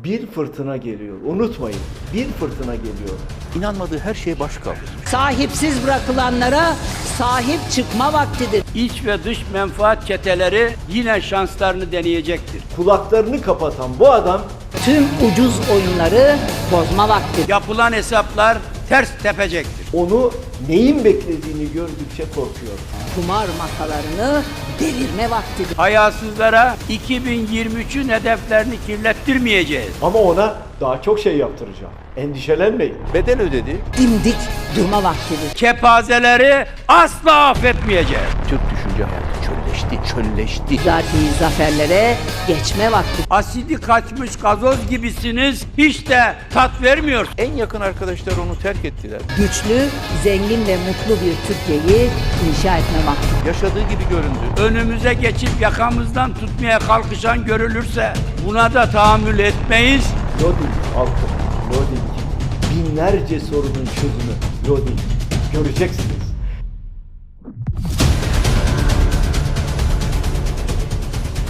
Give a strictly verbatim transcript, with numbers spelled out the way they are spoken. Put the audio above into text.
Bir fırtına geliyor. Unutmayın. Bir fırtına geliyor. İnanmadığı her şeye baş kaldırır. Sahipsiz bırakılanlara sahip çıkma vaktidir. İç ve dış menfaat çeteleri yine şanslarını deneyecektir. Kulaklarını kapatan bu adam Tüm ucuz oyunları bozma vaktidir. Yapılan hesaplar ters tepecektir. onu neyin beklediğini gördükçe korkuyor. Kumar masalarını devirme vaktidir. Hayasızlara iki bin yirmi üçün hedeflerini kirlettirmeyeceğiz. Ama ona daha çok şey yaptıracağım. Endişelenmeyin. Bedel ödedi. Dimdik durma vaktidir. Kepazeleri asla affetmeyeceğiz. Türk düşünce hayatı çölleşti, çölleşti. Zati zaferlere geçme vaktidir. Asidi kaçmış gazoz gibisiniz, hiç de tat vermiyor. En yakın arkadaşlar onu terk ettiler. Güçlü, zengin ve mutlu bir Türkiye'yi inşa etme vaktidir. Yaşadığı gibi göründü. Önümüze geçip yakamızdan tutmaya kalkışan görülürse buna da tahammül etmeyiz. Lodin halkı, Lodin. Binlerce sorunun çözümü Lodin. Göreceksiniz.